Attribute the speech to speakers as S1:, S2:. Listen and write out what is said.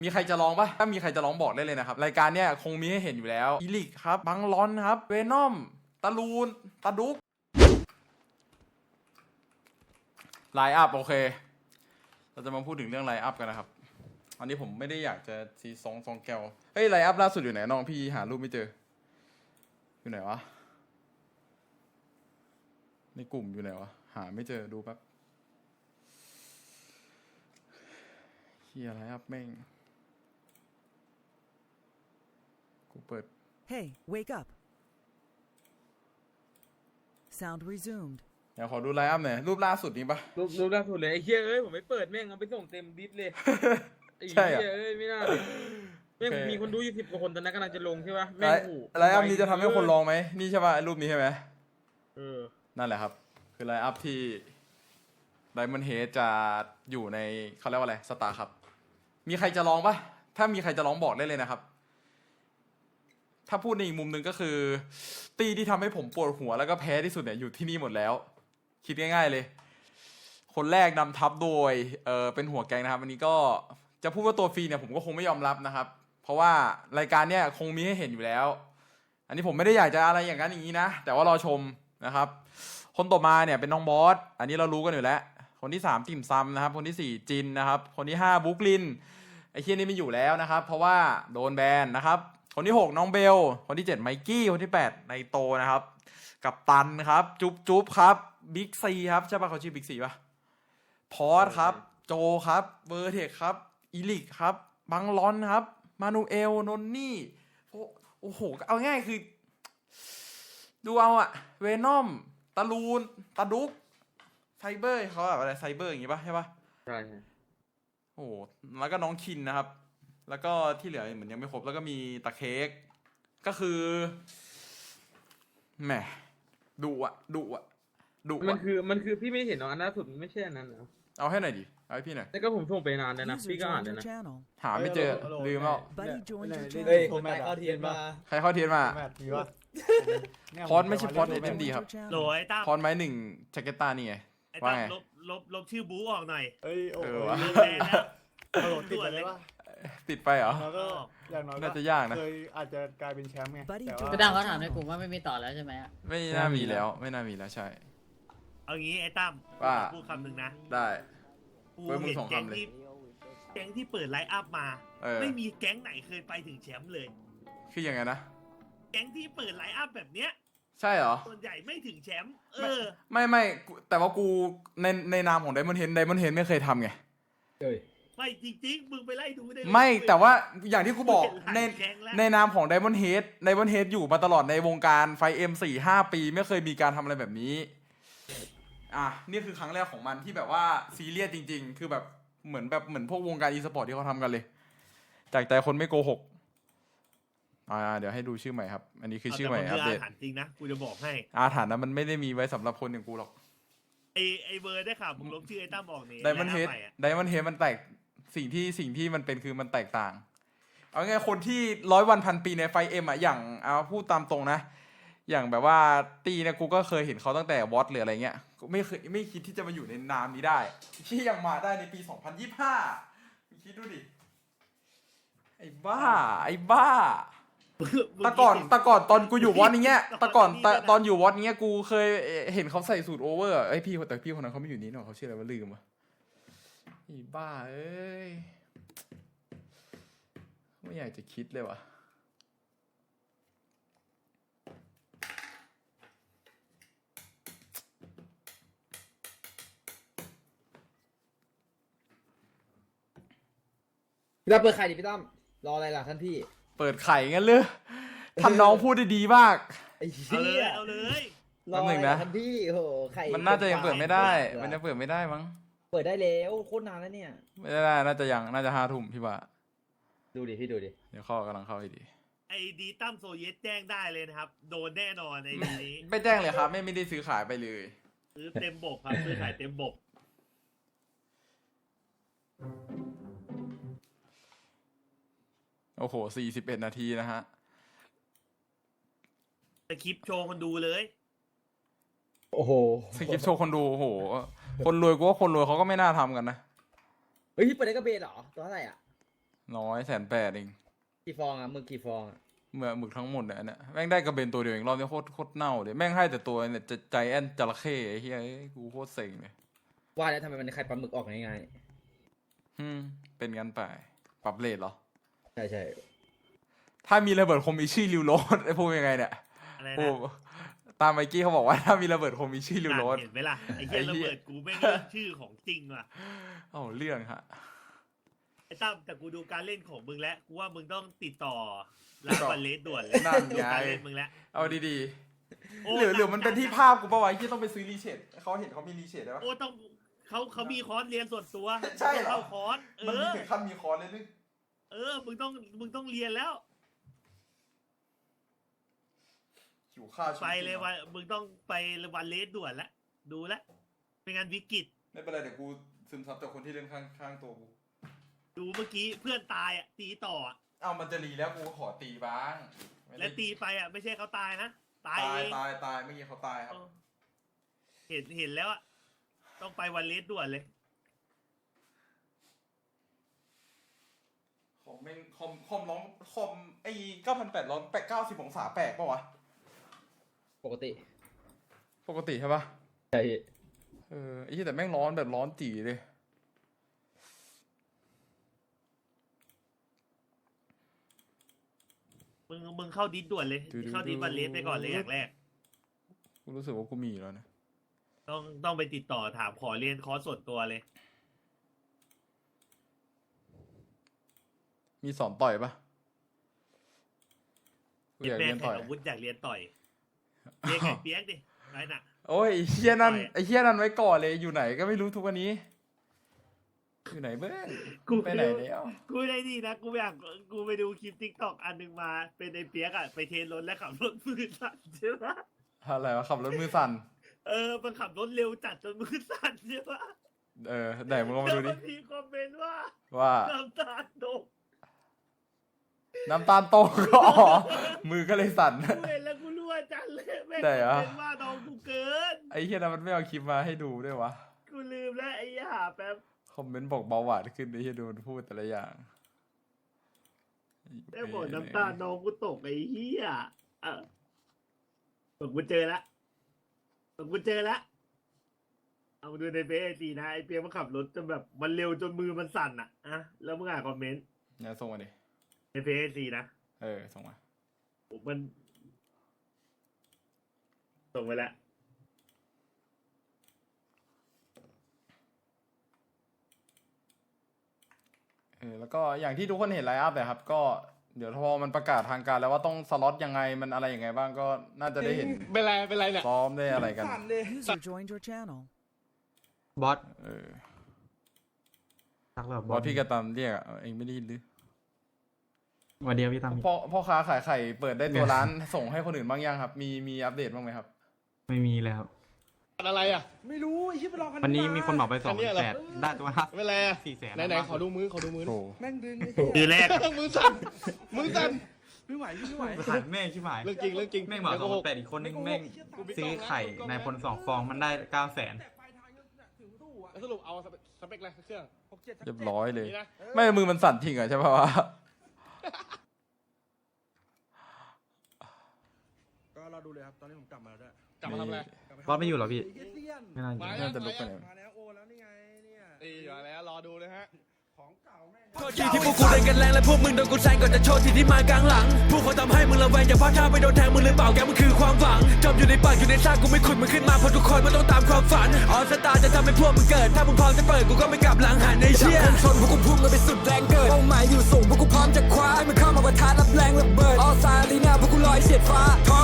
S1: มีใครจะร้องปะถ้ามีใครจะร้องบอกได้เลยนะครับรายการเนี้ยคงมีให้เห็นอยู่แล้วอีลิกครับบังลอนครับเวนอมตาลูนตาดุกไลน์อัพโอเคเราจะมาพูดถึงเรื่องไลน์อัพกันนะครับอันนี้ผมไม่ได้อยากจะซีซองแก้วเฮ้ยไลน์อัพล่าสุดอยู่ไหนน้องพี่หารูปไม่เจออยู่ไหนวะในกลุ่มอยู่ไหนวะหาไม่เจอดูแป๊บเฮียไลน์อัพแม่งกูเปิด
S2: Hey, wake up. Sound resumed.
S1: เดี๋ยวขอดูไลน์อัพหน่อยรูปล่าสุดนี้ปะ
S3: รูปล่าสุดเลยไอ้เหี้ยเอ้ยผมไม่เปิดแม่งเอาไปส่งเต็มดิสเลยไอ้
S1: ใช่
S3: เหี้
S1: อะ
S3: ยเอ้ยไม่น่าเลยแม่ง
S1: โอเค
S3: มีคนดู20 กว่าคนตอนนั้นกำลังจะลงใช่ปะ
S1: ไล
S3: แม่ง
S1: น์
S3: โอ้โห
S1: ไลน์อัพนี้จะทำให้คนลองไหมนี่ใช่ปะไอ้รูปนี้ใช่ไหม
S3: เออ
S1: นั่นแหละครับคือไลน์อัพที่ไดมอนด์เฮดจะอยู่ในเขาเรียกว่าอะไรสตาร์ครับมีใครจะลองปะถ้ามีใครจะลองบอกได้เลยนะครับถ้าพูดในอีกมุมหนึ่งก็คือตีที่ทำให้ผมปวดหัวแล้วก็แพ้ที่สุดเนี่ยอยู่ที่นี่หมดแล้ว คิดง่ายๆเลย คนแรกนำทัพโดยเป็นหัวแกงนะครับอันนี้ก็จะพูดว่าตัวฟรีเนี่ยผมก็คงไม่ยอมรับนะครับ เพราะว่ารายการเนี่ยคงมีให้เห็นอยู่แล้ว อันนี้ผมไม่ได้อยากจะอะไรอย่างนั้นอย่างนี้นะแต่ว่ารอชมนะครับ คนต่อมาเนี่ยเป็นน้องบอสอันนี้เรารู้กันอยู่แล้วคนที่3ติ่มซำนะครับคนที่4จินนะครับคนที่5บุ๊กลินไอ้เคียนี่ไม่อยู่แล้วนะครับเพราะว่าโดนแบนนะครับคนที่6น้องเบลคนที่7ไมกี้คนที่8ไนโตนะครับกับตันครับจุ๊บครับบิ๊กซีครับใช่ป่ะเขาชื่อบิ๊กซีป่ะพอสครับโจครับเวอร์เทคครับอีลิกครับบังลอนครับมานูเอลนนนี่โอ้โหเอาง่ายคือดูเอาอะเวนอมตาลูนตาดุกไซเบอร์เขาแบบอะไรไซเบอร์อย่างงี้ป่ะใช่ป่ะ
S3: ใช่
S1: โอ้แล้วก็น้องคินนะครับแล้วก็ที่เหลือเหมือนยังไม่ครบแล้วก็มีตะเค้กก็คือแหมดุอะ
S3: มันคือพี่ไม่เห็นเนาะอันล่าสุดไม่ใช่อันนั้นนะ
S1: เอาให้หน่อยดิเอาให้พี่หน่อย
S3: แล้วก็ผมส่งไปนานแล้วนะ
S2: User
S3: พี่ก็อ่าน
S2: joined
S3: แล้ว
S2: your
S3: นะ
S2: channel.
S1: หาไม่เจอลืมแล้ว
S2: Buddy joined your
S4: เฮ้ย
S2: channel.
S4: คนเข้าเทียนมา
S1: ใครเข้าเทียนมา
S4: แมทมีวะ
S1: พอดไม่ใช่พอด
S2: Buddy
S1: SMD
S2: joined
S1: ครับ
S2: your channel.
S5: โหลไอ้ตั้ม
S1: พรไม้หนึ่งแจ็คเก็ตตานี่ไง
S5: ไอ้
S1: ว่า
S5: ตั้ม
S1: ไง
S5: ลบชื่อบู๊ออกหน่อย
S4: เอ้ยโอ้
S1: เอ
S4: โห
S1: อวะ
S5: โดนแบนแล้ว
S4: โหลดติดไปเลยวะ
S1: ติดไปเหรอ
S4: แล้วก็อย่างน้อย
S1: น่าจะยากนะ
S4: เคยอาจจะกลายเป็นแชมป์ไง
S2: Buddy
S4: แต่
S2: joined
S4: ว่า
S6: ก็ดังเขาถามในกลุ่มว่าไม่มีต่อแล้วใช่ไหมอะ
S1: ไม่น่ามีแล้วไม่น่ามีแล้วใช่
S5: เอางี้ไอ้ตั้ม
S1: ว่า
S5: พูดคำหนึ่งนะ
S1: ได้
S5: กู
S1: เว้ยมึง
S5: เห็น
S1: ส่ง
S5: แก๊ง
S1: คำเลย
S5: ที่แก๊งที่เปิดไลฟ์อัพมา
S1: เออ
S5: ไม่มีแก๊งไหนเคยไปถึงแชมป์เลย
S1: คือยังไงนะ
S5: แก๊งที่เปิดไลฟ์อัพแบบเนี้ย
S1: ใช่เหรอ
S5: ส่วนใหญ่ไม่ถึงแชมป์
S1: ไม่แต่ว่ากูในนามของไดมอนด์เฮดไม่เคยทำไง
S5: ไม่จริงๆมึงไปไล่ดูได้เลย
S1: ไม่แต่ว่าอย่างที่กูบอกใน
S5: แก๊งแล้ว
S1: ในนามของ Diamond Head Diamond Head อยู่มาตลอดในวงการไฟเอ็ม4-5 ปีไม่เคยมีการทำอะไรแบบนี้นี่คือครั้งแรกของมันที่แบบว่าซีเรียสจริงๆ คือแบบเหมือนพวกวงการอีสปอร์ตที่เขาทำกันเลยจากใจคนไม่โกหกเดี๋ยวให้ดูชื่อใหม่ครับ อันนี้คือชื่อใหม่อัปเดต
S5: อาถรรพ์จริงนะกูจะบอกให้
S1: อาถรรพ์นะมันไม่ได้มีไว้สำหรับคนอย่างกูหรอก
S5: ไอเบอร์ได้ข่าวมึงลบชื่อไอ้ตั้มออกนี่
S1: Diamond
S5: ไล
S1: Head
S5: ฟ์อัพใหม่อะ
S1: Diamond Head มันแตกสิ่งที่มันเป็นคือมันแตกต่าง เอาไงคนที่100 วัน 1,000 ปีในไฟเอ็มอย่างเอาพูดตามตรงนะ อย่างแบบว่าตีเนี่ยกูก็เคยเห็นเขาตั้งแต่วอตหรืออะไรเงี้ยไม่คิดที่จะมาอยู่ในนามนี้ได้ ที่ยังมาได้ในปี 2025คิดดูดิไอ้บ้าแต่ก่อนตอนกูอยู่วอตอย่างเงี้ยแต่ก่อนตอนอยู่วอตเงี้ยกูเคยเห็นเขาใส่สูตรโอเวอร์ไอ้พี่แต่พี่คนนั้นเขาไม่อยู่นี่หรอกเขาชื่ออะไรวะลืมวะไอ้บ้าเอ้ยไม่อยากจะคิดเลยวะ
S6: พี่ตั้มเปิดไข่ดิพี่ตั้มรออะไรล่ะท่านพี่
S1: เปิดไข่งั้นเลยท่านน้องพูดได้ดีมาก
S6: ไอ้
S5: เอา
S6: เหี้
S5: เลย
S6: ย
S5: เอาเลย
S6: รออะไร
S1: แป๊บหนึ่งนะ
S6: ล่ะท่านพี่โอ้โหไข่
S1: มันน่าจะยังเปิดไม่ได้มันยังเปิดไม่ได้มั้ง
S6: เปิดได้แล้วโคตรนานแล้วเนี่ย
S1: ไม่ได้น่าจะ5 ทุ่มพี่ว่า
S6: ดูดิพี่ดูดิ
S1: เดี๋ยวเข้ากำลังเข้าให้ดี
S5: ไอดีตั้มโซเยสแจ้งได้เลยนะครับ โดนแน่นอนในนี้
S1: ไม่แจ้งเลยครับไม่ได้ซื้อขายไปเลย
S5: ซื้อเต็มบกครับซื้อขายเต็มบก
S1: โอ้โห41 นาทีนะฮะ
S5: สคริปต์โชว์คนดูเลย
S6: โอ้โห
S1: สคริปต์โชว์คนดูโอ้โหคนรวยกูว่าคนรวยเขาก็ไม่น่าทำกันนะ
S6: เฮ้ยพี่เปิดได้กระเบนเหรอตัวเท่าไหร่อ่ะ
S1: น้อย180,000เอง
S6: กี่ฟองอ่ะมึงกี่ฟองอ่ะ
S1: เมื่อหมึกทั้งหมดเนี่ยอันเนี่ยแม่งได้กระเบนตัวเดียวเองรอบนี้โคตรเน่าเลยแม่งให้แต่ตัวเนี่ยจะใจแอนจระเข้ไอ้เหี้ยกูโคตรเซ็งเลย
S6: ว่าแล้วทำไมมันไข่ปลาหมึกออกง่าย
S1: เป็นงั้นไปปรับเลทเหรอ
S6: ๆใช่ใช่
S1: ถ้ามีระเบิดคมมีชื่อริวโรสไอ้พูดยังไงเนี่ย
S5: อะไร
S1: โอ้
S5: นะ
S1: ตามไมกี้เขาบอกว่าถ้ามีระเบิดคมมีชื่อริวโรส
S5: เห็นไหมล่ะไอ้เหี้ย
S1: ไอ้
S5: ระ
S1: เหี้ย
S5: เบิดกูไม่งเรื่องชื่อของจริงว่ะ
S1: เอาเรื่องฮะ
S5: ไอ้ตั้มแต่กูดูการเล่นของมึงแล้วกูว่ามึงต้องติดต่อร้านบัลเลสด่วนเลย
S1: นั่น
S5: ดู
S1: ไง
S5: การเล่นมึงแล้ว
S1: เอาดี
S5: โอ้
S1: ๆหรือมันเป็นที่ภาพกูปะวะที่ต้องไปซื้อรีเชดเขาเห็นเขามีรีเชดได้ปะ
S5: โอ้ต้องเขามีคอร์สเรียนส่วนตัว
S1: ใช่เหรอ
S5: เข้าคอร์ส
S1: มันมีถึงขั้นมีคอร์สเลยนึก
S5: มึงต้องเรียนแล้ว
S1: หิวข้าว
S5: ไปเลยวันมึงต้องไปวันเลสด่วนแล้วดูแลวเป็นงานวิกฤต
S1: ไม่เป็นไรเดี๋ยวกูซึมซับจากคนที่เล่นข้างตัวกู
S5: ดูเมื่อกี้เพื่อนตายอ่ะตีต่ออ่ะ
S1: เอามันจะรีแล้วกูขอตีบ้างไม่ได้
S5: และตีไปอ่ะไม่ใช่เขาตายนะตาย
S1: ตาย
S5: เอง
S1: ตายเมื่อกี้เขาตายครับ
S5: เห็นแล้วอ่ะต้องไปวันเลสด่วนเลย
S1: ของแม่งคอมร้องคอมไอ้9,800ร้อน90 องศาแปลกปะวะ
S6: ปกติ
S1: ปกติใช่ปะ
S6: ใช่
S1: ไอ้ที่แต่แม่งร้อนแบบร้อนจี๋เลย
S5: มึงเข้าดิสด่วนเลยเข้าดิสวันเลสไปก่อนเลยอย่างแรก
S1: กูรู้สึกว่ากูมีแล้วนะ
S5: ต้องไปติดต่อถามขอเรียนคอร์สส่วนตัวเลย
S1: มีสอนต่อยปะกูอยาก
S5: แม่
S1: เรียน
S5: แข่
S1: ต่
S5: ง
S1: อย
S5: อาวุธอยากเรียนต่อยเรียนไก่เปียกดิไรน่ะ
S1: โอ้ยไอ้เฮี้ยนั่นไอ้เฮี้ยนั่นไว้ก่อนเลยอยู่ไหนก็ไม่รู้ทุกวันนี้อยู่ไหนเบ้งไปไหนแล้ว
S5: กูได้ดีนะกูไปดูคลิปทิกตอกอันหนึงมาเป็นไอ้เปียกอ่ะไปเทรนรถแล้วขับรถมือสั่นใช่ปะ
S1: อะไรวะขับรถมือสั่น
S5: มันขับรถเร็วจัดจนมือสั่นใช่ปะ
S1: ไหนมึงลองมา
S5: แล้ว
S1: ดูดิ
S5: มันมีคอมเมนต์ว่า
S1: ว่า
S5: น้ำตาตก
S1: น้ำตาลโตกก็อ๋อมือก็เลยสั่น
S5: กูเห็นแล้วกูรั่วจังเลยแม่ง
S1: ได้เหรอ
S5: เป็นว่าน้องกูเกิน
S1: ไอ้เฮี้ยนั่นมันไม่เอาคลิปมาให้ดูด้วยวะ
S5: กูลืมแล้วไอ้หาแป๊บ
S1: คอมเมนต์บอกเบาหวานขึ้นไอ้เฮี้ยดูมันพูดแต่ละอย่าง
S5: ได้บอกน้ำตาน้องกูตกไอ้เหี้ยบอกกูเจอละเอามาดูในเฟซไอจีนะไอเปียกมันขับรถจนแบบมันเร็วจนมือมันสั่นอ่ะแล้วมึงอ่านคอมเมนต์
S1: เนี่ยส่งมาดิ
S5: ในเฟซไอจีนะ
S1: ส่งมา
S5: มันส่งไปแล้ว
S1: แล้วก็อย่างที่ทุกคนเห็นไลน์อัพเลยครับ ก็เดี๋ยวพอมันประกาศทางการแล้วว่าต้องสล็อตยังไงมันอะไรยังไงบ้างก็น่าจะได้เห็น
S3: เป็นไรเนี่ย
S1: ซ้อมได้อะไรกัน
S2: User joined your channel.
S7: บอส
S1: เออ
S7: ทักแบบ
S1: บอสพี่กระตามเรียกอ่ะเองไม่ได้ยินหรือ
S7: สวัสดีครับพี่ตั้ม
S1: พ่อค้าขายไข่เปิดได้ตัวร้าน ส่งให้คนอื่นบ้างยังครับมีอัปเดตบ้างไหมครับ
S7: ไม่มีเลยครับ
S3: อะไรอ่ะ
S4: ไม่รู้ไอ้ที่ไปรอกัน
S7: วันนี้มีคนบอกไป
S3: อันเนี้ยเหรอ
S7: 200,000ได้ตัวห้า
S3: เป็นไรอ่ะ
S7: 400,000
S3: ไหนขอดูมือ
S1: โอ้
S4: แม่งดึงไอ้
S5: คือแรก
S3: มือสั่น
S4: ไม่ไหวไม่ไหว
S7: หันแม่งชิบหาย
S3: เรื่องจริง
S7: แม่งบอก200,000อีกคนนึงแม่งซื้อไข่ในพล2 ฟองมันได้900,000
S3: แล้วสรุปเอาสเปคอะไรเครื่อง
S1: เรียบร้อยเลย
S3: นี่นะ
S1: ไม่มือมันสั่นทิ้งอ่ะใช่ป่าวะ
S4: ก็เราดูเลยครับตอนนี้ผมกลับมาแล้วด้วย
S3: กลับมาทำอะไร
S7: บอสไม่อยู่เหรอพี่
S4: ไอ้เตี้ยน
S7: ไม่น่าอยู่
S3: มา
S1: น่าจะลุกไปไหน
S4: มาแล้วโอแล้วนี่ไงเนี่ย
S3: นี่มาแล้วรอดูเลยฮะ
S4: ของเก่าแม่ง
S8: โทษทีที่พวกกูเล่นกันแรงและพวกมึงโดนกูแซงก่อนจะโชว์ทีที่มากลางหลังพวกเขาทำให้มึงระแวงอย่าพลาดท่าไปโดนแทงมึงหรือเปล่าแกมึงคือความหวังจมอยู่ในปากอยู่ในซากกูไม่ขุดมึงขึ้นมาเพราะทุกคนมันต้องตามความฝันออสตาจะทำให้พวกมึงเกิดถ้ามึงพร้อมจะเปิดกูก็ไม่กลับหลังหันในเชี่ยชนพวกกูพุ่งกันไปสุดแรงเกิดเป้าหมายอยู่สูงพวกกูพร้อมจะคว้าให้มึงเข้ามาประทะรับแรงระเบิดออสตาลีน่าพวกกูลอยเฉียดฟ้าท้อง